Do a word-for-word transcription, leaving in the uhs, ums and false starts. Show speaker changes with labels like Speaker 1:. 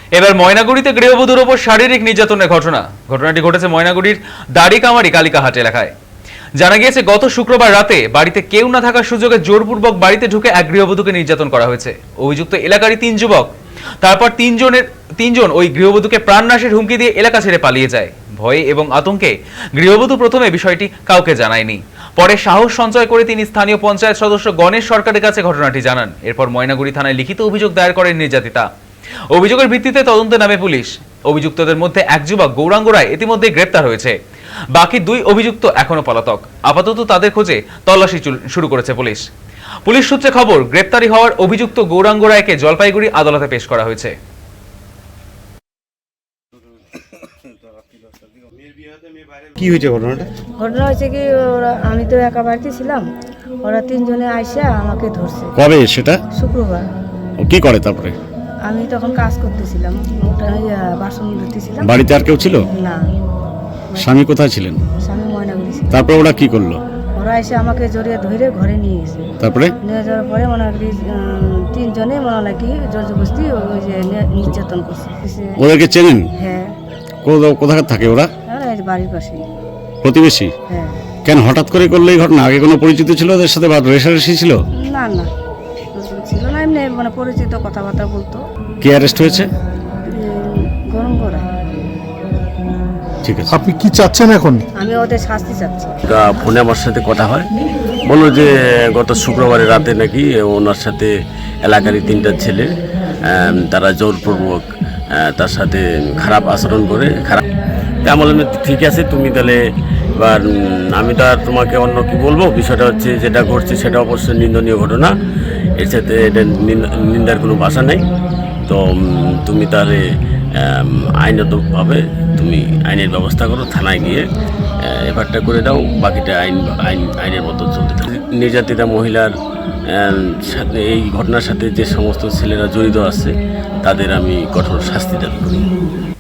Speaker 1: এবার ময়নাগুড়িতে গৃহবধূর ওপর শারীরিক নির্যাতনের ঘটনা ঘটনাটি ঘটেছে ময়নাগুড়ির দাড়িকামারি কালিকাহাট এলাকায়। জানা গিয়েছে গত শুক্রবার রাতে বাড়িতে কেউ না থাকার সুযোগে জোরপূর্বক বাড়িতে ঢুকে এক গৃহবধূকে নির্যাতন করা হয়েছে। অভিযুক্ত এলাকারই তিন যুবক। তারপর তিনজনের তিনজন ওই গৃহবধূকে প্রাণনাশের হুমকি দিয়ে এলাকা ছেড়ে পালিয়ে যায়। ভয়ে এবং আতঙ্কে গৃহবধূ প্রথমে বিষয়টি কাউকে জানায়নি। পরে সাহস সঞ্চয় করে তিনি স্থানীয় পঞ্চায়েত সদস্য গণেশ সরকারের কাছে ঘটনাটি জানান। এরপর ময়নাগুড়ি থানায় লিখিত অভিযোগ দায়ের করেন নির্যাতিতা। অভিযোগের ভিত্তিতে তদন্তে নামে পুলিশ। অভিযুক্তদের মধ্যে এক যুবক গৌরাঙ্গ রায় ইতিমধ্যে গ্রেপ্তার হয়েছে। বাকি দুই অভিযুক্ত এখনো পলাতক। আপাতত তাদের খোঁজে তল্লাশি শুরু করেছে পুলিশ। পুলিশ সূত্রে খবর, গ্রেপ্তারি হওয়ার অভিযুক্ত গৌরাঙ্গ রায়কে জলপাইগুড়ি আদালতে পেশ করা হয়েছে।
Speaker 2: কি হয়েছে ঘটনাটা?
Speaker 3: ঘটনা হয়েছে কি, ওরা আমি তো একা বাড়িতে ছিলাম, ওরা তিনজনে আইসা আমাকে ধরছে।
Speaker 2: কবে সেটা?
Speaker 3: শুক্রবার।
Speaker 2: ও কি করে তারপরে?
Speaker 3: আমি তখন কাজ করতেছিলাম, ওটা ইয়া, বাসন ধুতেছিলাম।
Speaker 2: বাড়িতে আর কেউ ছিল
Speaker 3: না।
Speaker 2: স্বামী কোথায় ছিলেন?
Speaker 3: স্বামী ময়নাগুড়ি ছিল।
Speaker 2: তারপরে ওরা কি করলো?
Speaker 3: ওরা এসে আমাকে জড়িয়ে ধরে ঘরে নিয়ে গেছে।
Speaker 2: তারপরে
Speaker 3: নিয়ে যাওয়ার পরে মনে হয় তিনজনে মনে হয় কি জোর জবরদস্তি ওই যে নি- নির্যাতন করছে।
Speaker 2: ওদেরকে চেনেন?
Speaker 3: হ্যাঁ,
Speaker 2: কো- কোথাকার থাকে ওরা?
Speaker 3: ওরা এই বাড়ির পাশে।
Speaker 2: প্রতিবেশী?
Speaker 3: হ্যাঁ।
Speaker 2: কেন হঠাৎ করে করলো এই ঘটনা? আগে কোনো পরিচিত ছিল ওদের সাথে বা রেশারেশি ছিল?
Speaker 3: না না, ছিল না, এমনি মানে পরিচিত কথাবার্তা বলতো।
Speaker 2: কে অ্যারেস্ট হয়েছে?
Speaker 3: গরম করা।
Speaker 2: ঠিক আছে।
Speaker 4: আপনি কি চাচ্ছেন এখন?
Speaker 3: আমি ওদের শাস্তি চাচ্ছি।
Speaker 5: তা ফোনে আমার সাথে কথা হয়, বললো যে গত শুক্রবারের রাতে নাকি ওনার সাথে এলাকারই তিনটা ছেলে আম, তারা জোরপূর্বক আহ, তার সাথে খারাপ আচরণ করে খারাপ। তা আমি বললাম ঠিক আছে, তুমি তাহলে এবার উম, আমি তো আর তোমাকে অন্য কি বলবো, বিষয়টা হচ্ছে যেটা ঘটছে সেটা অবশ্যই নিন্দনীয় ঘটনা, এর সাথে এটা নিন- নিন্দার কোনো ভাষা নেই। তো উম, তুমি তাহলে আম, আইনগতভাবে তুমি আইনের ব্যবস্থা করো, থানায় গিয়ে এফআইআরটা করে দাও, বাকিটা আইন আইন আইনের মতো চলতে থাকে। নির্যাতিতা মহিলার আম, সাথে এই ঘটনার সাথে যে সমস্ত ছেলেরা জড়িত আছে তাদের আমি কঠোর শাস্তি দাবি করি।